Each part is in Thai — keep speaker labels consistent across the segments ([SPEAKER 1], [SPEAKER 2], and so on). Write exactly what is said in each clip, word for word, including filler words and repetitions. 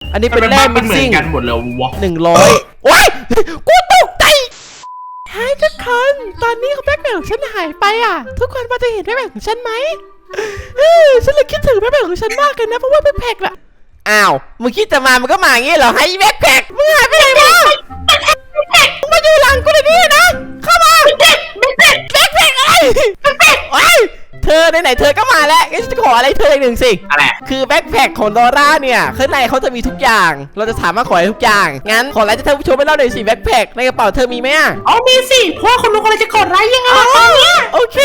[SPEAKER 1] อันนี้เป็นแร่มิกซิ่ง
[SPEAKER 2] กันหมดเลยวะ
[SPEAKER 1] หนึ่งร้อยโอ้ยกูตกใจหายทุกคนตอนนี้แบ็คแพ็คของฉันหายไปอ่ะทุกคนมาจะเห็นแบ็คแพ็คของฉันไหมเออฉันเลยคิดถึงแบ็คแพ็คของฉันมากเลยนะเพราะว่าแบ็คแพ็คอะอ้าวมึงคิดจะมามันก็มาอย่างงี้เหรอให้แบ็คแพ็คมึงหายไปไหนมามึงมาอยู่หลังกูเลยนี่นะเข้ามาแบ็คแพ็คแบ็คแพ็คอะไรแบ็คแพ็คโอ้ยเธอไหนๆเธอก็มาแล้วงั้นจะขออะไรเธออีกหนึ่งสิ
[SPEAKER 2] อะไร
[SPEAKER 1] คือแบ็คแพ็คของดอร่าเนี่ยข้างในเขาจะมีทุกอย่างเราจะสามารถขอได้ทุกอย่างงั้นขออะไรจะท่านผู้ชมไปเล่าหน่อยสิแบ็คแพ็คในกระเป๋าเธอมีไหมอ่ะ
[SPEAKER 3] อ๋อมีสิเพราะคนรู้คนจะกดไลค์ยังไงตอนนี้
[SPEAKER 1] โอเค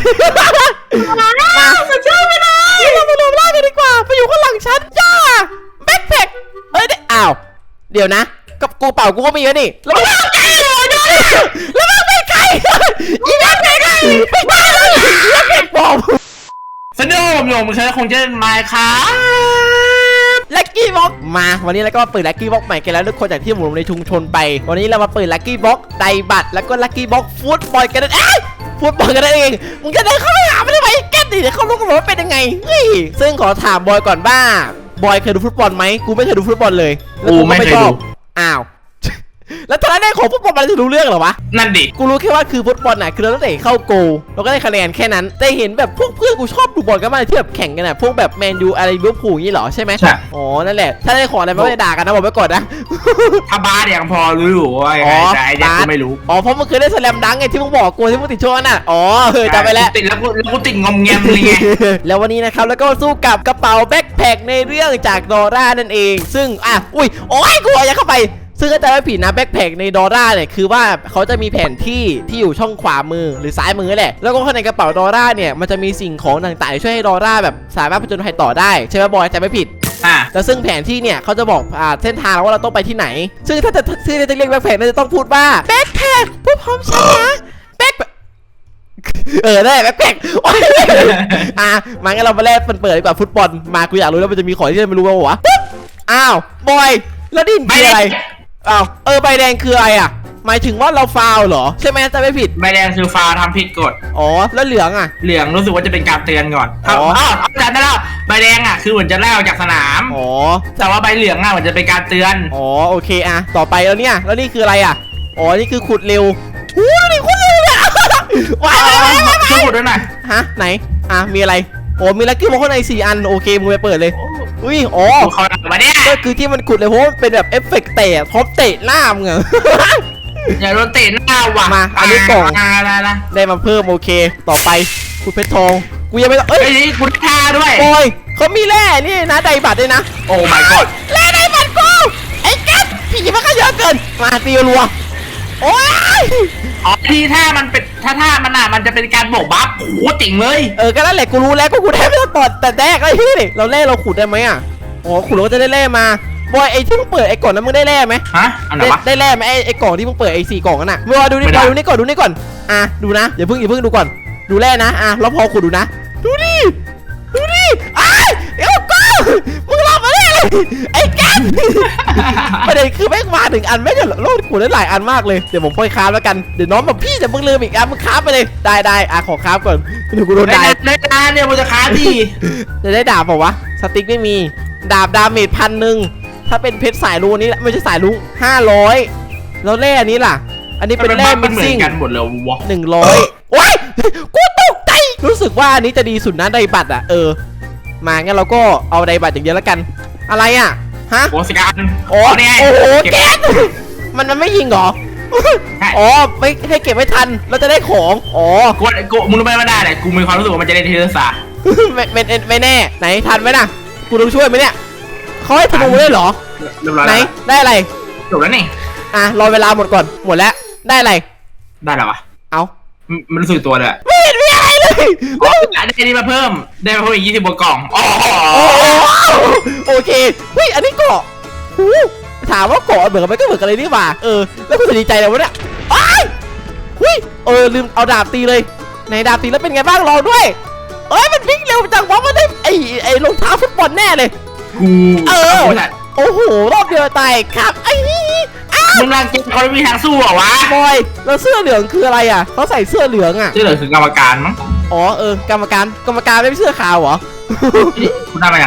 [SPEAKER 3] มาสุดยอดไปเลย
[SPEAKER 1] เรามารวมร่างกันดีกว่าไปอยู่ข้างหลังฉันย่าแบ็คแพ็คเอ้ยอ้าวเดี๋ยวนะกับกูเป่ากูก็มีแล้วนี่แล้วมึงไกลเลยด้วยแล้วมึงไปไกลอีแบ็คแพ็คไปไกลเลยแบ็คแพ็คบอม
[SPEAKER 2] สนุกโยมฉันคงจะมาครับ
[SPEAKER 1] ลัคกี้บ็อกมาวันนี้เราก็มาเปิดลัคกี้บ็อกใหม่กันแล้วทุกคนจากที่หมู่ในชุมชนไปวันนี้เรามาเปิดลัคกี้บ็อกไดบัตแล้วก็ลัคกี้บ็อกฟุตบอลกันเอ้ยฟุตบอลกันเองมึงจะเดินเข้าไปหามันทำไมแกดิเดี๋ยวเขารู้กันหมดว่าเป็นยังไงเฮ้ยซึ่งขอถามบอยก่อนบ้าบอยเคยดูฟุตบอลไหมกูไม่เคยดูฟุตบอลเลย
[SPEAKER 2] กูไม่เคยดู
[SPEAKER 1] อ้าวแล้วตอนนั้นของฟุตบอลมันจะรู้เรื่องเหรอวะ
[SPEAKER 2] นั่นดิ
[SPEAKER 1] กูรู้แค่ว่าคือฟุตบอลน่ะคือเราต้องเตะเข้าโกเราก็ได้คะแนนแค่นั้นแต่เห็นแบบพวกเพื่อนกูชอบดูบอลกันมากที่แบบแข่งกันน่ะพวกแบบแมนยูอะไรลิเวอร์พูลนี่หรอใช่ไหม
[SPEAKER 2] ใช่
[SPEAKER 1] อ๋อนั่นแหละถ้าได้ของอะไรไม่ได้ด่ากันนะบอกไว้ก่อนนะ
[SPEAKER 2] ถ้าบ้ายังพอรู้อยู่ว่าไงแต่ไอ้เนี่ยกูไม่รู้
[SPEAKER 1] อ๋อเพราะมึงเคยได้สแลมดังไงที่มึงบอกกูที่มึงติดโชว์น่ะอ๋อเฮ้ยจำไปแล้ว
[SPEAKER 2] ติดแล้วกูแล้วกูติดงอมแงมเลยไง
[SPEAKER 1] แล้ววันนี้นะครับแล้วก็สู้กับกระเป๋าแบ็คแพ็คในเรื่องจากดอร่านั่นเองซึ่งอ่ะอุ้ยโอ้ยกูอย่าเข้าไปซึ่งก็จะไม่ผิดนะแบ็คแพ็คในดอร่าเนี่ยคือว่าเขาจะมีแผนที่ที่อยู่ช่องขวามือหรือซ้ายมือแหละแล้วก็ข้างในกระเป๋าดอร่าเนี่ยมันจะมีสิ่งของต่างๆช่วยให้ดอร่าแบบสามารถผจญภัยต่อได้ใช่ไหมบอยจะไม่ผิด
[SPEAKER 2] อ่า
[SPEAKER 1] แต่ซึ่งแผนที่เนี่ยเขาจะบอกอ่าเส้นทางว่าเราต้องไปที่ไหนซึ่งถ้าจะซึ่งจะเรียกแบ็คแพ็คน่าจะต้องพูดว่าแบ็คแพ็คพูดพร้อมฉันนะแบ็คเออได้แบ็คแพ็คอ่ะมางั้นเรามาแลกเปิดดีกว่าฟุตบอลมากูอยากรู้แล้วมันจะมีของที่เราไม่รู้ว่าวะอ้าวบอยแล้วดินคืออะไรอ้าวเออใบแดงคืออะไรอ่ะหมายถึงว่าเราฟาวเหรอใช่ไหมจะไม่ผิด
[SPEAKER 2] ใบแดงคือฟาวทำผิดกฎ
[SPEAKER 1] อ๋อแล้วเหลืองอ่ะ
[SPEAKER 2] เหลืองรู้สึกว่าจะเป็นการเตือนก่อนอ๋อเอาจำได้แล้วใบแดงอ่ะคือเหมือนจะไล่ออกจากสนาม
[SPEAKER 1] อ๋อ
[SPEAKER 2] แต่ว่าใบเหลืองอ่ะเหมือนจะเป็นการเตือน
[SPEAKER 1] อ๋อโอเคอ่ะต่อไปแล้วเนี่ยแล้วนี่คืออะไรอ่ะอ๋อนี่คือขุดเร็วหูนี่ขุดเร็วเนี่ย
[SPEAKER 2] ว้าวช่วยขุดด้วยหน่อย
[SPEAKER 1] ฮะไหนอ่ะมีอะไรโอ้มีลัคกี้บ็อกข้างในสี่อันโอเคมึงไปเปิดเลยอุ้ยอ๋อ
[SPEAKER 2] เขาหนักมาเนี่ย
[SPEAKER 1] ก็คือที่มันขุดเลยเพราะเป็นแบบเอฟเฟกต์เตะท็อปเตะหน้ามึงอะ
[SPEAKER 2] อย่าโดนเตะหน้าว่ะ
[SPEAKER 1] มาอันนี้กล่อง
[SPEAKER 2] อะไรนะ
[SPEAKER 1] ได้มาเพิ่มโอเคต่อไปขุดเพชรทองกูยังไม่ต้องเอ้
[SPEAKER 2] ยขุดท่าด้วย
[SPEAKER 1] โอ้ยเขามีแร่นี่นะไดบัตด้วยนะ
[SPEAKER 2] โอ้ my god
[SPEAKER 1] แร่ไดบัตกูไอ้แก๊สผีมันก็เยอะเกินมาตีรัวโอ้ย
[SPEAKER 2] อ๋อที่ถ้ามันเป็นถ้าถ้ามันอ่ะมันจะเป็นการโบกบัฟโอ้โหจริงเลย
[SPEAKER 1] เออก็นั่นแหละกูรู้แล้วกูขุดได้ไม่ต้องตอดแต่แรกไอ้ที่เราแร่เราขุดได้ไหมอ่ะอ๋อขุดเราก็จะได้แร่มาบอยไอ้ที่มึงเปิดไอ้กล่องนั้นมึงได้แร่ไหม
[SPEAKER 2] ฮะอันไหนวะ
[SPEAKER 1] ได้แร่ไหมไอ้ไอ้กล่องที่มึงเปิดไอ้สี่กล่องนั่นน่ะบอยดูนี่บอยดูนี่ก่อนดูนี่ก่อนอ่ะดูนะอย่าเพิ่งอย่าเพิ่งดูก่อนดูแร่นะอ่ะแล้วพอขุดดูนะดูดิดูดิไอ้เอ้าก็มึงรอมาได้เลยไอ้แก๊สประเด็นคือแม่งมาถึงอันแม่งจะโลดขุดได้หลายอันมากเลยเดี๋ยวผมค่อยค้าแล้วกันเดี๋ยวน้องแบบพี่จะมึงลืมอีกอันมึงค้าไปเลยได้ได้อ่ะขอค้าก่อนเดี๋ยวกูโดนด่า
[SPEAKER 2] ได้ได้เนี่ยมึงจะค้าดิ
[SPEAKER 1] จะได้ดาบเปล่าวะสติ๊กไม่มีดาบดาเมจพันหนึ่งถ้าเป็นเพชรสายลุงนี้ไม่ใช่สายลุงห้าร้อยแล้วแร่อันนี้ล่ะอันนี้เป็นแร่มิกซิ่ง
[SPEAKER 2] กันหมดเลยวะ
[SPEAKER 1] หนึ่งร้อยโอ้ยกูตกใจรู้สึกว่าอันนี้จะดีสุดนะไดบัตอ่ะเออมางั้นเราก็เอาไดบัตอย่างเดียวแล้วกันอะไรอ่ะฮะ
[SPEAKER 2] โอ้สกัด
[SPEAKER 1] โอ้โอ้โหแก๊สมันมันไม่ยิงเหรออ๋อไม่ให้เก็บไม่ทันเราจะได้ของอ๋อ
[SPEAKER 2] กูกูมึงรู้ไหมว่าได้แหละกูมีความรู้สึกว่ามันจะได้ทีละสา
[SPEAKER 1] ไม่ไม่ไม่แน่ไหนทันไหมนะกูต้องช่วยไหมเนี่ยเขาให้ธนูได้เหรอไหนได้อะไร
[SPEAKER 2] จบแล้วนี่
[SPEAKER 1] อ่ะรอเวลาหมดก่อนหมดแล้วได้อะไร
[SPEAKER 2] ได้แล้ววะ
[SPEAKER 1] เอา
[SPEAKER 2] มันรู้สึกตัวเลย
[SPEAKER 1] ไม่เห็นมีอะไรเลย
[SPEAKER 2] ได้นี่มาเพิ่มได้มาเพิ่มอีกยี่สิบบวกกล่องอ๋อ
[SPEAKER 1] โอเคเฮ้ยอันนี้เกาะถามว่าเกาะเหมือนกันไหมก็เหมือนกันเลยนี่หว่าเออแล้วคุณจะดีใจเลยวะเนี่ยไอ้เฮ้ยเออลืมเอาดาบตีเลยในดาบตีแล้วเป็นไงบ้างลองด้วยเอ้ยมันวิ่งเร็วจังวะมันได้ไอ้ไอ้รองเท้าฟุตบอลแน่เลย
[SPEAKER 2] กู
[SPEAKER 1] เออโอ้โหรอบเดียวตายครับไอ้
[SPEAKER 2] มึงรังเกเขาไม่มีทางสู้เหรอวะ
[SPEAKER 1] บอยแล้วเสื้อเหลืองคืออะไรอ่ะเขาใส่เสื้อเหลืองอ่ะ
[SPEAKER 2] เสื้อเหลืองคือกรรมการมั้ง
[SPEAKER 1] อ๋อเออกรรมการกรรมการไม่ใช่เสื้อขาวเหรอ
[SPEAKER 2] คุณได้มาอย่างไรวะเนี่ย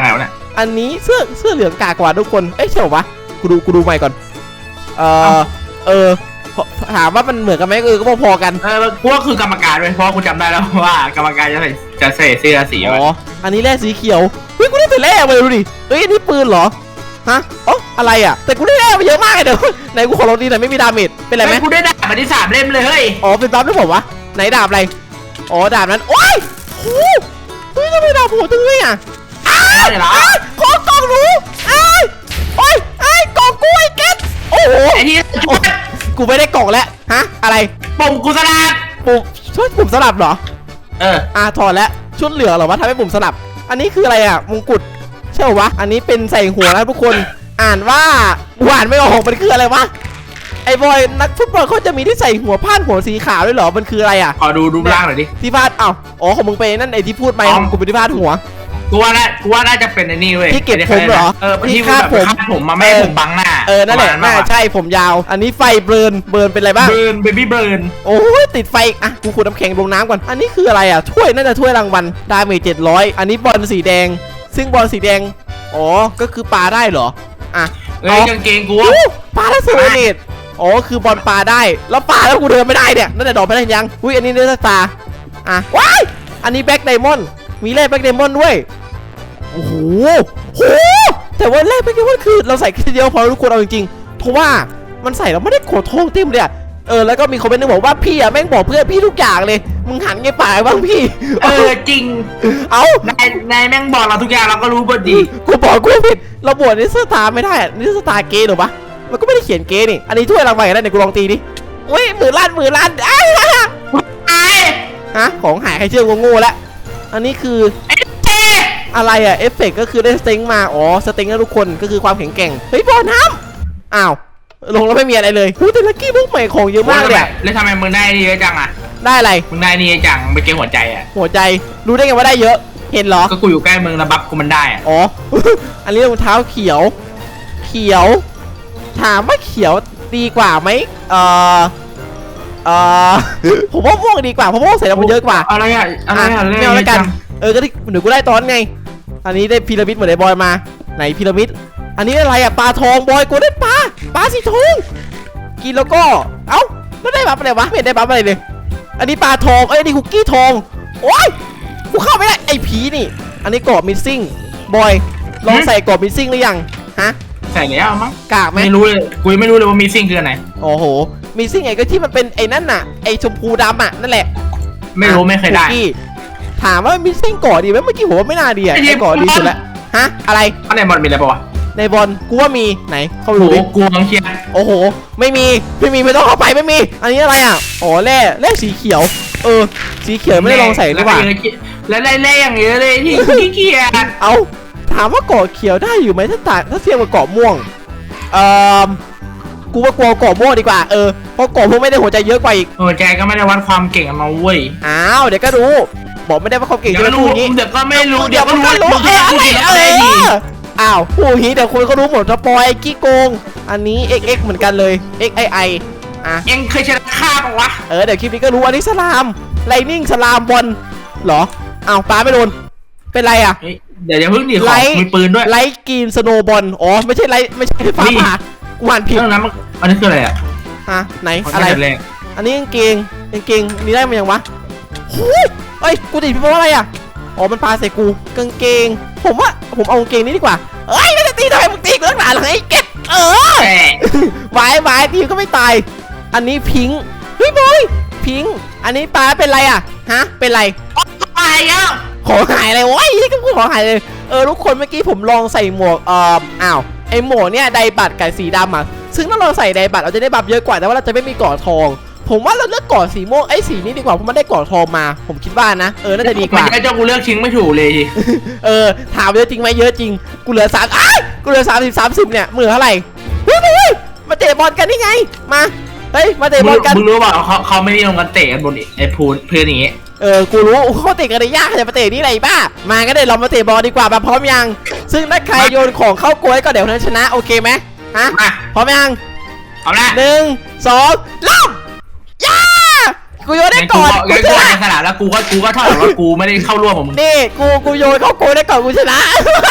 [SPEAKER 1] อันนี้เสื้อเสื้อเหลืองกากกว่าทุกคนเอ้ยใช่ปะกูดูกูดูใหม่ก่อนเออเออถามว่ามันเหมือนกันไหมเออก็พอๆกัน
[SPEAKER 2] เออกูก็คือกรรมการเลยเพราะกูจำได้แล้วว่ากรรมการจะใส่จะใส่เสื้อสี
[SPEAKER 1] อ๋ออันนี้แร่สีเขียวเฮ้ยกูได้แต่แร่มาดูดิเฮ้ยอันนี้ปืนเหรอฮะอ๋ออะไรอ่ะแต่กูได้แร่มาเยอะมากเลยเดี๋ยวไหนกูขอลองดีหน่อยไม่มีดาเมจเป็นไรไหม
[SPEAKER 2] กูได้ดาบมาที่สามเล่มเลยเฮ้ย
[SPEAKER 1] อ๋อเป็นบัฟด้วยผมวะไหนดาบอะไรอ๋อดาบนั้นโอ้ยโอ้เฮ้ยทำไมดาบโหดจังเลยอ่ะอ้าวอ้าวขอกล่องหนูอ้าวโอ้ยไอ้กล่องกูไอ้เก็ตโอ้โห
[SPEAKER 2] ไอ้ที่
[SPEAKER 1] กูไม่ได้กล่องแล้วฮะอะไร
[SPEAKER 2] ปุ่มกูสลับ
[SPEAKER 1] ปุ่มชุดปุ่มสลับเหรอ
[SPEAKER 2] เออ
[SPEAKER 1] อ่าถอดแล้วชุดเหลืองเหรอวะทำให้ปุ่มสลับอันนี้คืออะไรอ่ะมงกุฎใช่วะอันนี้เป็นใส่หัวนะทุกคนอ่านว่าอ่านไม่ออกมันคืออะไรวะไอ้บอยนักฟุตบอลเขาจะมีที่ใส่หัวผ้าหัวสีขาวด้วยเหรอมันคืออะไรอ่ะ
[SPEAKER 2] ขอดูรูปร่างหน่อยดิ
[SPEAKER 1] ที่พาดอ้าวอ๋อของมึงไปนั่นไอ้ที่พูดไป
[SPEAKER 2] อ๋อ
[SPEAKER 1] กูเป็นที่พาดหัว
[SPEAKER 2] กูว่าน่ากูว่าน่าจะเป็นไอ้นี่เว้ย
[SPEAKER 1] ที่เก็บผมเหรอ
[SPEAKER 2] เออ
[SPEAKER 1] ที่
[SPEAKER 2] ที่
[SPEAKER 1] คาดผม
[SPEAKER 2] คาดผมมาไม่ให้ผมบังหน้า
[SPEAKER 1] เออนั่นแหละ
[SPEAKER 2] ปรมณ
[SPEAKER 1] น่าใช่ผมยาว อันนี้ไฟเบิร์นเบิร์นเป็นอะไรบ้าง
[SPEAKER 2] เบิร์นเบบี้เบิร์น
[SPEAKER 1] โอ้ยติดไฟอ่ะกูขูดน้ำแข็งลงน้ำก่อนอันนี้คืออะไรอ่ะถ้วยน่าจะถ้วยรางวัลดาเมจเจ็ดร้อยอันนี้บอลสีแดง ซึ่งบอลสีแดงอ๋อก็คือปลาได้เหรออ่ะ
[SPEAKER 2] เอ้ยกางเกงกู
[SPEAKER 1] โอ้ปลาแล้วสวยเนตอ๋อคือบอลปลาได้แล้วปลาแล้วกูเดินไม่ได้เนี่ยนั่นแต่ดอกไปได้ยังอุ้ยอันนี้เนื้อตาอ่ะว้ายอันนี้แบ็คไดมอนด์มีแร่แบ็คไดมอนด์ด้วยโอ้โหโหแต่ว่าแร่แบ็คไดมอนด์คือเราใส่แค่เดียวพอทุกคนเอาจริงๆเพราะว่ามันใส่แล้วไม่ได้โกรธทองเต็มเลยเออแล้วก็มีคอมเมนต์นึงบอกว่าพี่อะแม่งบอกเพื่อนพี่ทุกอย่างเลยมึงหันไงป่าบ้างพี่
[SPEAKER 2] เออจริง
[SPEAKER 1] เอา
[SPEAKER 2] นายนายแม่งบอกเราทุกอย่างเราก็รู้บทดี
[SPEAKER 1] กูบอกกูผิดเราบวชนิสตาไม่ได้อะนิสตาเกย์หรอปะมันก็ไม่ได้เขียนเกย์นี่อันนี้ถ้วยรางวัลกันได้เดี๋ยวกูลองตีดิอุ้ยหมื่นล้านหมื่นล้านอ้าว
[SPEAKER 2] ไอ้
[SPEAKER 1] ฮะของหายใครเชื่อโง่ๆแล้วอันนี้คือ
[SPEAKER 2] ไอ้เจ๊
[SPEAKER 1] อะไรอะเอฟเฟกก็คือได้สเต็งมาอ๋อสเต็งนะทุกคนก็คือความแข็งแกร่งเฮ้ยบอลน้ำอ้าวลงแล้วไม่มีอะไรเลยหูแต่ลักกี้บุ๊กใหม่ของเยอะมากเลยอะ
[SPEAKER 2] แล้วทำไมมึงได้นี่เยอะจังอ่ะ
[SPEAKER 1] ได้อะไร
[SPEAKER 2] มึงได้นี่เยอะจังไปเกมหัวใจอ่ะ
[SPEAKER 1] หัวใจรู้ได้ไงว่าได้เยอะเห็นเหรอ
[SPEAKER 2] ก็กูอยู่ใกล้มึงแล้วบัฟกูมันได้อ่ะ
[SPEAKER 1] อ๋อ อันนี้รองเท้าเขียว เขียว ถามว่าเขียวดีกว่าไหมเอ่อเอ่อ ผมว่าม่วงดีกว่าเพราะม่วงใส่แล้วมันเยอะกว่า
[SPEAKER 2] อะไรอ่ะอะไรอ่ะ
[SPEAKER 1] ไม่เอาแล้วกัน เออ ก็ที่เดี๋ยวกูได้ตอนไง อันนี้ได้พีระมิดเหมือนไอ้บอยมา ไหนพีระมิด อันนี้อะไรอะปลาทองบอยกูได้ปลา ปลาสีทอง กินแล้วก็ เอ้าแล้วได้บัฟอะไรวะ ไม่เห็นได้บัฟอะไรเลย อันนี้ปลาทอง เอ้ยนี่คุกกี้ทอง โอ๊ย กูเข้าไม่ได้ ไอ้ผีนี่ อันนี้กรอบมิสซิ่ง บอย ลองใส่กรอบมิสซิ่งหรือยัง ฮะ
[SPEAKER 2] ใส่แล้วมั้ง
[SPEAKER 1] กากไหม
[SPEAKER 2] ไม่รู้เลยกูยังไม่รู้เลยว่ามีซิ่งคืออะไร
[SPEAKER 1] โอ้โห มิสซิ่งไงก็ที่มันเป็นไอ้นั่นน่ะ ไอ้ชมพูดำอ่ะนั่นแหละ
[SPEAKER 2] ไม่รู้ไม่เคยได้
[SPEAKER 1] คุกกี้ถามว่ามิสซิ่งก่อดีไหมเมื่อกี้ผมว่าไม่น่าดีอ่ะ
[SPEAKER 2] ไอ้เหี้ย
[SPEAKER 1] ไอ้ก่อดีสุดแล้วฮะอะไร
[SPEAKER 2] ข้างในบอลมีอะไรปะวะ
[SPEAKER 1] ในบอลกูว่ามีไหนเข้าไป
[SPEAKER 2] โอ้
[SPEAKER 1] ดู
[SPEAKER 2] โห
[SPEAKER 1] ดิ
[SPEAKER 2] กูมังเคลียร์
[SPEAKER 1] โอ้โหไม่มีไม่มีไม่ต้องเข้าไปไม่มี อันนี้อะไรอ่ะอ๋อแร่แร่สีเขียว เออ สีเขียวไม่ได้ลองใส่หรือเปล่า
[SPEAKER 2] แล้วไล่ๆอย่างเงี้ยเลยที่ขี้เกียจ
[SPEAKER 1] เอาถามว่าเกาะเขียวได้อยู่ไหมถ้าต่างถ้าเทียบกับเกาะม่วงเอ่อกูว่ากลัวเกาะม่วงดีกว่าเออเพราะเกาะม่วงไม่ได้หัวใจเยอะกว่าอีก
[SPEAKER 2] หัวใจก็ไม่ได้วัดความเก่งมาเว้ย
[SPEAKER 1] อ้าวเดี๋ยวก็รู้ บอกไม่ได้ว่าเขาเก่ง
[SPEAKER 2] เดี๋ยว
[SPEAKER 1] จะ
[SPEAKER 2] ก็
[SPEAKER 1] พู
[SPEAKER 2] รู้
[SPEAKER 1] ดอย่างนี้
[SPEAKER 2] เดี๋ยวก็ไม่รู้
[SPEAKER 1] เดี๋ยวมันก็รู้
[SPEAKER 2] เดี๋ยว
[SPEAKER 1] เอ
[SPEAKER 2] ก็
[SPEAKER 1] อ
[SPEAKER 2] รู้
[SPEAKER 1] อะไร
[SPEAKER 2] เดี๋ยวก็
[SPEAKER 1] เอ
[SPEAKER 2] ได้ดี
[SPEAKER 1] ออ้าวผู้ฮีเดี๋ยวคนเขารู้หมดสปอยกี้โกง อันนี้ เอ็กซ์ เอ็กซ์ เหมือนกันเลย เอ็กซ์ ไอ ไอ อ่ะ
[SPEAKER 2] เอ็งเคยชนะข้าปะวะ
[SPEAKER 1] เออเดี๋ยวคลิปนี้ก็รู้อันนี้สลามไลนิ่งสลามบอลเหรออ้าวปาไม่โดนเป็นไรอ่ะ
[SPEAKER 2] เฮ้ยเดี๋ยวอย่าเพิ่งดิข
[SPEAKER 1] ไล
[SPEAKER 2] อ
[SPEAKER 1] ท์
[SPEAKER 2] มีปืนด้วย
[SPEAKER 1] ไลท์กรีนสโนว์บอลอ๋อไม่ใช่ไลท์ไม่ใช่ฟ้า
[SPEAKER 2] นี่
[SPEAKER 1] ผ่ากูอ่านผิด
[SPEAKER 2] เรื่องนั้นมันอันนี้คืออะไรอ่ะ
[SPEAKER 1] อ่ะไหน
[SPEAKER 2] ขอ
[SPEAKER 1] อะไร
[SPEAKER 2] แค่แรก
[SPEAKER 1] อันนี้กางเกงกางเกงนี่ได้มายังวะหูเอ้ยกูติดเพราะอะไรอ่ะอ๋อมันปาใส่กูกางเกง ผมว่าผมเอากางเกงนี้ดีกว่าเอ้ยไม่ได้ตีทำไมมึงตีกูตั้งนานเลยไอ้เก็บเออ
[SPEAKER 2] แต่
[SPEAKER 1] วายวายทีมก็ไม่ตาย อันนี้พิงค์เฮ้ยบอยพิงค์อันนี้ปลาเป็นไรอ่ะฮะเป็นไร
[SPEAKER 2] ตายแล้ว
[SPEAKER 1] ของหายเลยโอ้ยนี่ก็พูดของหายเลยเออทุกคนเมื่อกี้ผมลองใส่หมวกเอ่ออ้าวไอหมวกเนี่ยไดบัตกับสีดำอ่ะซึ่งถ้าเราใส่ไดบัตเราจะได้บัฟเยอะกว่าแต่ว่าเราจะไม่มีเกาะทอง ผมว่าเราเลือกเกาะสีม่วงไอ้สีนี้ดีกว่าเพราะมันได้เกาะทองมา ผมคิดว่านะเออน่าจะดีก
[SPEAKER 2] มัน
[SPEAKER 1] ว่า
[SPEAKER 2] จะเจ้ากูเลือกชิงไม่ถูกเลยที
[SPEAKER 1] เออถามเยอะจริงไหมเยอะจริงกูเหลือสามอ้ายกูเหลือสามสิบสามสิบเนี่ยมือเท่าไหร่เฮ้ยเฮ้ยมาเตะบอลกันนี่ไงมาเฮ้ยมาเตะบอลกัน
[SPEAKER 2] มึงรู้เปล่าเขาเขาไม่นิยมกันเตะกันบนไอ้พูนเพื่อนอย่างงี้
[SPEAKER 1] เออ กูรู้เขาเตะกันได้ยากจะมาเตะนี่ไรบ้า มาก็ได้เรามาเตะบอลดีกว่ามาพร้อมยัง ซึ่งถ้าใครโยนของเข้าโกยก็เดี๋ยวนั้นชนะโอเคไหมฮะ
[SPEAKER 2] มา
[SPEAKER 1] พร้อมยัง
[SPEAKER 2] เอาละ
[SPEAKER 1] หนึ่งสองเริ่มย่ากูโยนได้
[SPEAKER 2] กู
[SPEAKER 1] ก่อน
[SPEAKER 2] ก็
[SPEAKER 1] กู
[SPEAKER 2] กู
[SPEAKER 1] ช
[SPEAKER 2] ก็
[SPEAKER 1] นะ
[SPEAKER 2] ในขนาดแล้วกูก็กูก็เท่ากับว่ากูไม่ได้เข้าร่วมกับมึง
[SPEAKER 1] นี่กูกูโยนเข้าโกยได้ก่อนกูชนะ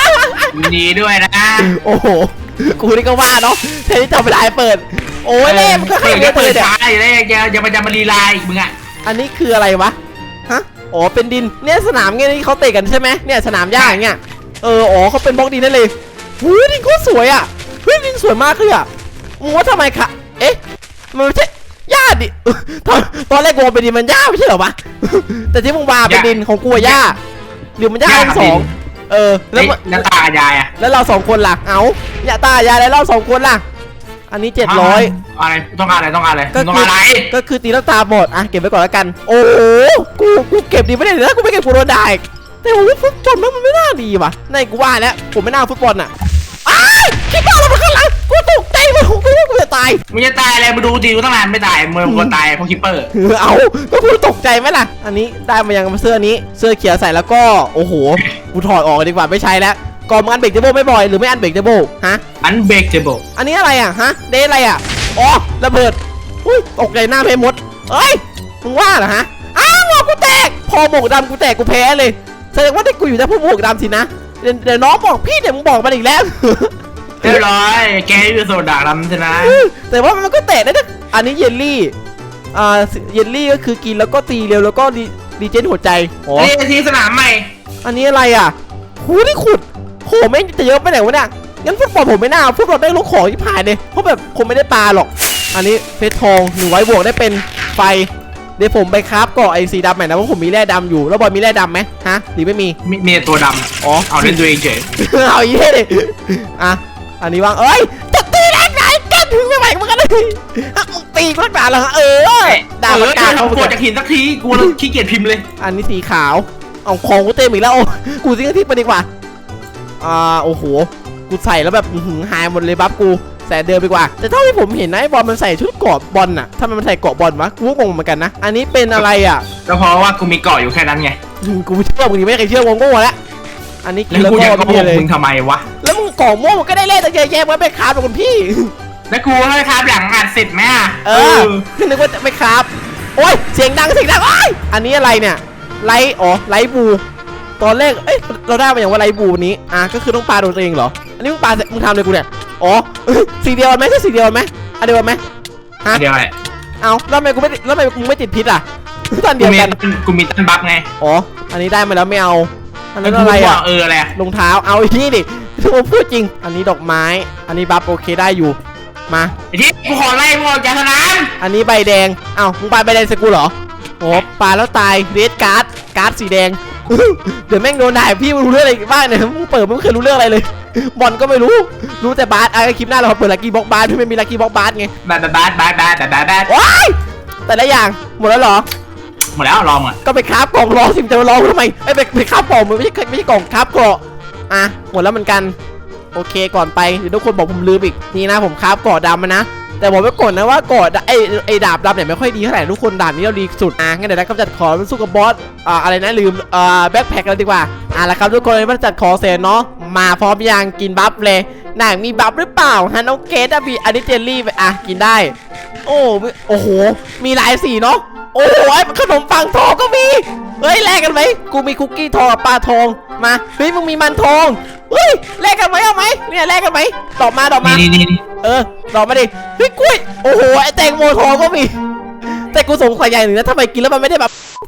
[SPEAKER 2] ยินดีด้วยนะ
[SPEAKER 1] โอ้โหกูนี่ก็ว่าเนาะแทนที่จะเวลาเปิดโอ้ยเล่มก็ให้
[SPEAKER 2] เปิด
[SPEAKER 1] เย
[SPEAKER 2] ก็
[SPEAKER 1] อะ
[SPEAKER 2] เปิ
[SPEAKER 1] เล
[SPEAKER 2] ด
[SPEAKER 1] ยเนี่ย
[SPEAKER 2] ช้าอยู่เลยจะจะมาจะมาลีลาอีกมึงอ่ะ
[SPEAKER 1] อันนี้คืออะไรวะฮะอ๋อเป็นดินเนี่ยสนามเงี้ยที่เขาเตะกันใช่ไหมเนี่ยสนามหญ้าอย่างเงี้ยเอออ๋อเขาเป็นบล็อกดินนั่นเลยหูดินโคตรสวยอ่ะเฮ้ยดินสวยมากเลยอ่ะมึงว่าทำไมคะเอ๊ะมันไม่ใช่หญ้าดิตอนตอนแรกกูเป็นดินมันหญ้าไม่ใช่เหรอวะแต่ที่มึงมาเป็นดินของกูอะหญ้าหรือมันหญ้าทั้งสองเออแล้ว
[SPEAKER 2] แล้วตายายอ่ะ
[SPEAKER 1] แล้วเราสองคนล่ะเอาอย่าตายายแล้วเราสองคนล่ะอันนี้เจ็ดร้อย
[SPEAKER 2] อะไรต้องการอะไรต้องการอะไร
[SPEAKER 1] ก็
[SPEAKER 2] ต้อง
[SPEAKER 1] คื
[SPEAKER 2] การอะไร
[SPEAKER 1] ก็คือตีลังตาหมดอ่ะเก็บไว้ก่อนแล้วกันโอ้โหกูกูเก็บดีไม่ได้เลยนะกูไม่เก็บกูโดนด่าอีกแต่โอ้ฟุตบอลมันไม่น่าดีว่ะในกูว่าแล้วผมไม่น่าฟุตบอลอ่ะอ้ายคิดว่าเราเป็นข้างหลังกูตกใจมันกูว่ากูจะตาย
[SPEAKER 2] มึงจะตายอะไรมาดูดีกูตั้งนานไม่ตายมึงควรตายเพราะคิปเปอร์
[SPEAKER 1] เอาก็กูตกใจไหมล่ะอันนี้ได้มายังเสื้อนี้เสื้อเขียวใส่แล้วก็โอ้โหกูถอดออกดีกว่าไม่ใช้แล้วก่อนมึงอันเบรกเทเบิลไม่บ่อยหรือไม่อันเบรกเทเบิลฮะ
[SPEAKER 2] อันเบรกเทเบิล
[SPEAKER 1] อันนี้อะไรอ่ะฮะเดทอะไรอ่ะอ๋อระเบิดอุ้ยตกใจหน้าเพมดเอ้ยมึงว่าเหรอฮะอ้าวหมวกกูแตกพอหมวกดำกูแตกกูแพ้เลยแสดงว่าที่กูอยู่ได้เพราะหมวกดำสินะเดี๋ยวเดี๋ยวน้องบอกพี่เดี๋ยวมึงบอกมาอีกแล้ว
[SPEAKER 2] เรียบร้อยแกอยู่โซดาดำใช่ไหม
[SPEAKER 1] แต่ว่ามันก็แตกได้นะอันนี้เยลลี่อ่าเยลลี่ก็คือกินแล้วก็ตีเร็วแล้วก็ดีดีเจนหัวใจอ๋อ
[SPEAKER 2] นี่ทีสนามใหม่
[SPEAKER 1] อันนี้อะไรอ่ะหูนี่ขุดโหแม่งจะเยอะไปไหนวะเนี่ยงั้นฟุตบอลผมไม่น่าฟุตบอลได้ลูกของที่ผ่านเลยเพราะแบบผมไม่ได้ปลาหรอกอันนี้เพชรทองหนึ่งไว้บวกได้เป็นไฟเดี๋ยวผมไปคราฟเกาะไอ้สีดำใหม่นะเพราะผมมีแร่ดำอยู่แล้วบอยมีแร่ดำไหมฮะหรือไม่มี
[SPEAKER 2] มีมีตัวด
[SPEAKER 1] อ๋อ
[SPEAKER 2] ำเอาเล่นตัวเองเฉย
[SPEAKER 1] เอาอีกเลยอ่ะอันนี้วางเอ้ยจะตีแรงไหนกันถึงไม่ไหวเหมือนกันเลยอ่ะมึงตีกูตั้งนานแล้วฮะเออดาว
[SPEAKER 2] เออ
[SPEAKER 1] กา
[SPEAKER 2] ทำโคตรจากหินสักทีกูขี้เกียจพิมพ์เลย
[SPEAKER 1] อันนี้สีขาวเอาของกูเต็มอีกแล้วกูซิงที่ไปดีกว่าอ่าโอ้โหกูใส่แล้วแบบหืมหายหมดเลยบัฟกูใส่เดิมดีกว่าแต่เท่าที่ผมเห็นนะไอ้บอลมันใส่ชุดเกราะบอลน่ะทำไมมันใส่เกราะบอลวะกูก็งงเหมือนกันนะอันนี้เป็นอะไรอ่ะ
[SPEAKER 2] ก็เพราะว่ากูมีเกาะอยู่แค่นั้นไง
[SPEAKER 1] อืมกูไม่เชื่อมึงดิไม่เคยเชื่อวงโง่แล้วอันนี้กิ
[SPEAKER 2] แล้
[SPEAKER 1] น
[SPEAKER 2] ว
[SPEAKER 1] แล้ว
[SPEAKER 2] กู
[SPEAKER 1] ก็
[SPEAKER 2] จะโก
[SPEAKER 1] ไม่
[SPEAKER 2] หก
[SPEAKER 1] เลย
[SPEAKER 2] มึงทำไมวะ
[SPEAKER 1] แล้วมึงกล่องม่วงมันก็ได้เล่นตั้งเยอะแยะมันไปคราฟกับคุณพี่
[SPEAKER 2] แล้วกูให้ครับหลังอัดเสร็จไหมอ่ะ
[SPEAKER 1] เออนึกว่าจะไม่คราฟโอ้ยเสียงดังเสียงดังโอ้ยอันนี้อะไรเนี่ยไลท์อ๋อไลท์บูตอนแรกเอ้ยเราได้มาอย่างว่าไลท์บูนี้อ่ะก็คือต้องปาโดนตัวเองเหรออันนี้มึงปามึงทำเลยกูเนี่ยอ๋อสีเดียวกันไหมใช่สีเดียวกันไหมอันเดียวกันไหมฮะ
[SPEAKER 2] เดี๋ยวไอ้
[SPEAKER 1] เอาแล้วทำไมกูไม่แล้วทำไมมึงไม่ติดพิษอ่ะตอน
[SPEAKER 2] กู
[SPEAKER 1] เดียว
[SPEAKER 2] มี
[SPEAKER 1] กัน
[SPEAKER 2] กูมีตันบัฟไง
[SPEAKER 1] อ๋ออันนี้ได้มาแล้วไม่เอาอันนั้น
[SPEAKER 2] กู
[SPEAKER 1] อะไร
[SPEAKER 2] บ
[SPEAKER 1] อ่ะ
[SPEAKER 2] กเอออะไรอะ
[SPEAKER 1] รองเท้าเอาอีกนี่ดิผมพูดจริงอันนี้ดอกไม้อันนี้บัฟโอเคได้อยู่มา
[SPEAKER 2] ไอ้ที่กูขอไล่มึงออกจากสนาม
[SPEAKER 1] อันนี้ใบแดงเอ้ามึงปาใบแดงใส่กูเหรอโอ้ปาแล้วตายเรดการ์ดการ์ดสีแดง เดี๋ยวแม่งโดนด่าพี่มึงรู้เรื่องอะไรบ้างเนี่ยมึงเปิดมึงไม่เคยรู้เรื่องอะไรเลยบอลก็ไม่รู้รู้แต่บาสไอ้คลิปหน้าเราเปิดลักกี้บ็อกบาสที่ไม่มีลักกี้บ็อกบาสไง
[SPEAKER 2] บาดบาดบาดบาดบาดบาดบาด
[SPEAKER 1] ว้ายแต่ละอย่างหมดแล้วเหรอ
[SPEAKER 2] หมดแล้วลองอ่ะ
[SPEAKER 1] ก็ไปคราฟกล่องรอสิจะมารอทำไมไอ้ยไปไปคราฟกล่องมันไม่ใช่ไม่ใช่กล่องคราฟเกราะอ่ะหมดแล้วเหมือนกันโอเคก่อนไปเดี๋ยวทุกคนบอกผมลืมอีกนี่นะผมคราฟเกราะดำมานะแต่บอกไว้ก่อนนะว่าเกราะไอ้ไอ้ดาบดำเนี่ยไม่ค่อยดีเท่าไหร่ทุกคนดาบนี้เราดีสุดอ่ะงั้นเดี๋ยวนะกำจัดขอมันสู้กับบอสอ่าอะไรนะลืมอ่าแบ็คแพ็คกันดีกว่าอ่ะแล้วครับทุกคนมาจัดขอเสร็จเนาะมาพร้อมยังกินบัฟเลยนางมีบัฟหรือเปล่าฮะน้องเกดอะบีอันนี้เจลลี่ไปอ่ะกินได้โอ้โอ้โหมีหลายสีเนาะโอ้โหขนมปังทองก็มีเฮ้ยแลกกันไหมกูมีคุกกี้ทองกับปลาทองมาเฮ้ยมึงมีมันทองเฮ้ยแลกกันไหมเอาไหมเนี่ยแลกกันไหมตอบมาตอบมา
[SPEAKER 2] นี่นี่นี่
[SPEAKER 1] เออตอบมาดิเฮ้ยกล้วยโอ้โหไอแตงโมทองก็มีแต่กูสงสัยอย่างหนึ่งนะทำไมกินแล้วมันไม่ได้แบบ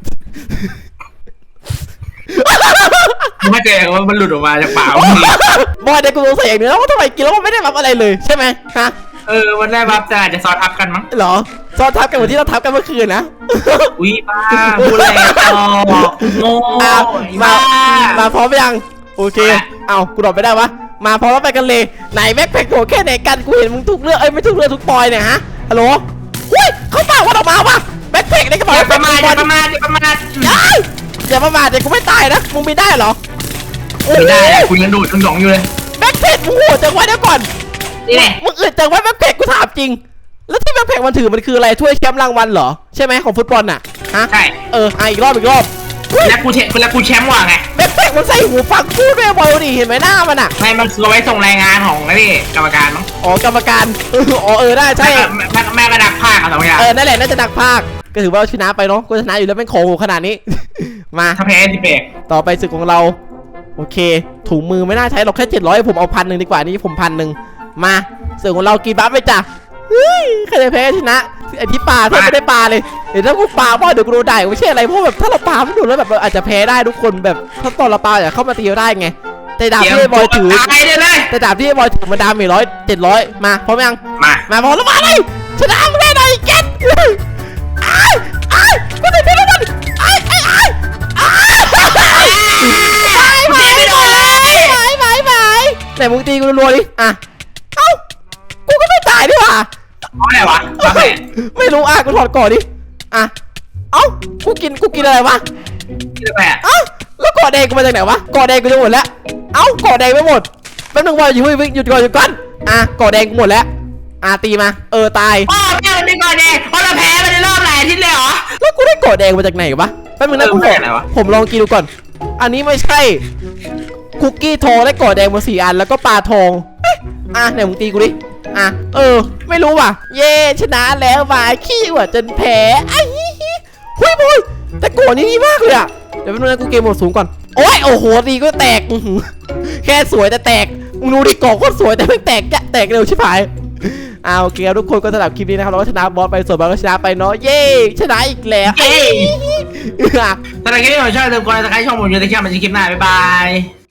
[SPEAKER 2] มึงไม่เจอว่ามันหลุดออกมาจากปากมึงนี่
[SPEAKER 1] บอยเด็กกูสงสัยอย่างหนึ่งนะว่าทำไมกินแล้วมันไม่ได้แบบอะไรเลยใช่ไหมฮะ
[SPEAKER 2] เออมันได้บัฟแต่อาจจะซ้อนทับกันมั้ง
[SPEAKER 1] เหรอซ้อนทับกันเหมือนที่เราทับกันเมื่อคืนนะ
[SPEAKER 2] อุ้ยบ้าพูดอะไรต่อโง่
[SPEAKER 1] อ่ะมา
[SPEAKER 2] บ้า
[SPEAKER 1] มาพร้อมหรือยังโอเคเอากูตอบไม่ได้วะมาพร้อมแล้วไปกันเลยไหนแม็กแพ็คโหแค่ไหนกันกูเห็นมึงทุกเรื่องเอ้ยไม่ทุกเรื่องทุกปอยเนี่ยฮะฮัลโหลเฮ้ยเขาฝากว่าออกมาวะแม็กแพ็คในกระ
[SPEAKER 2] อ
[SPEAKER 1] เป๋า
[SPEAKER 2] ย่าประมาทอย่าประมาทอย่าประมาท
[SPEAKER 1] ยัยอย่าประมาทเด็กกูไม่ตายนะมึงมีได้เหรอโอ้
[SPEAKER 2] ไม่
[SPEAKER 1] โห
[SPEAKER 2] ได้อะคุณยังดูดทั้งสองอยู่เลย
[SPEAKER 1] แบ็คเพจมึงโหดจังวะเดี๋ยวก่อน
[SPEAKER 2] นี่แหละ
[SPEAKER 1] มึงอึดจังวะแบ็คเพจกูถามจริงแล้วที่แบ็คเพจมันถือมันคืออะไรถ้วยแชมป์รางวัลเหรอใช่ไหมของฟุตบอลน่ะฮะ
[SPEAKER 2] ใช่
[SPEAKER 1] เอออ่ะอีกรอบอีกรอบเฮ้ย
[SPEAKER 2] แล้วกูเชแล้วกูแชมป์ว่ะไง
[SPEAKER 1] แบ็คเพจมันใส่หูฟังพูดด้วยบอลดิเห็นไหมหน้ามันอ่ะ
[SPEAKER 2] ไม่มันคือเอาไว้ส่งรายงานของนี่กรรมการมั้ง
[SPEAKER 1] อ๋อกรรมการเอออ๋อเออได้ใช่
[SPEAKER 2] แม่แม่แม่กระดักภาคอะสองอย่าง
[SPEAKER 1] เออนั่นแหละน่าจะดักภาคก็ถือว่าชนะไปเนาะกูชนะอยู่แล้วเป็นของหูขนาดนี้ มา
[SPEAKER 2] ถ้าแพ้สิเบรก
[SPEAKER 1] ต่อไปศึกของเราโอเคถุงมือไม่น่าใช้หรอกแค่เจ็ดร้อยผมเอาพันหนึ่งดีกว่านี่ผมพันหนึ่งมาเสือของเรากี่บัฟไปจ้ะเฮ้ยใครจะแพ้ชนะไอที่ปลาแทบไม่ได้ปลาเลยเดี๋ยวถ้ากูปลาว่าเดี๋ยวกูโดนด่าไม่ใช่อะไรเพราะแบบถ้าเราปลาไม่โดนแล้วแบบเราอาจจะแพ้ได้ทุกคนแบบถ้าตอนเราปลาอย่าเข้ามาตีเราได้ไงแต่ดาบที่ไอ้บอยถือ
[SPEAKER 2] ตายเลยเลย
[SPEAKER 1] แต่ดาบที่ไอ้บอยถือมันดาเมจร้อยเจ็ดร้อยมาพร้อมยัง
[SPEAKER 2] มา
[SPEAKER 1] มาพร้อมแล้วมาเลยชนะมึงแน่นอนไอ้แก๊สไอ้ไอ้กูจะเป็นมันไอ้ไอ้ไอ้ไอ้ไอ้ไม่โดนเลยไอ้ไอ้ไอ้ไหนมึงตีกูรัวๆดิอ่ะเอ้ากูก็ไม่ตายดิว่ะ
[SPEAKER 2] เพราะอะไรวะโอเค
[SPEAKER 1] ไม่รู้อ่ะกูถอดก่อนดิอ่ะเอ้ากูกินกูกินอะไรวะ
[SPEAKER 2] ที่แปะ
[SPEAKER 1] เอ้าแล้วก่อแดงกูมาจากไหนวะก่อแดงกูจะหมดแล้วเอ้าก่อแดงไม่หมดแป๊บนึงว่าอยู่หยุดก่อนหยุดก่อนอ่ะก่อแดงกูหมดแล้วอ่ะตีมาเออตาย
[SPEAKER 2] พ่อแม่มันเป็นก่อนเองเพราะเราแพ้ไปในรอบหลายอาทิตย์เลยเหรอ
[SPEAKER 1] แล้วกูได้ก่อแดงมาจากไหนวะแป๊บนึงนะ
[SPEAKER 2] เออ
[SPEAKER 1] กู
[SPEAKER 2] มัน
[SPEAKER 1] ขอ
[SPEAKER 2] ได้อะไรวะ
[SPEAKER 1] ผมลองกินดูก่อนอันนี้ไม่ใช่คุกกี้ทองและก่อแดงมาสี่อันแล้วก็ปลาทองเอ๊ะอ่ะไหนมึงตีกูดิอ่ะเออไม่รู้ว่ะเย่ชนะแล้วว่ะขี้ว่ะจนแพ้ไอ้ฮิฮิหุยบุยแต่ก่อนนี้ดีมากเลยอ่ะเดี๋ยวแป๊บนึงนะกูเกมโหมดสูงก่อนโอ้ยโอ้โหตีก็แตกอื้อหือแค่สวยแต่แตกมึงดูดิก่อโคตรสวยแต่ไม่แตกจะแตกเร็วชิบหายเอาโอเคครับทุกคนก็สำหรับคลิปนี้นะครับเราก็ชนะบอสไปส่วนบอสก็ชนะไปเนาะเย้ชนะอีกแล้ว
[SPEAKER 2] เย้ ถ้าใครที่ชอบชอบลืมกดติดตามช่องผมอยู่ในคลิปมันจะคลิปหน้าบ๊ายบาย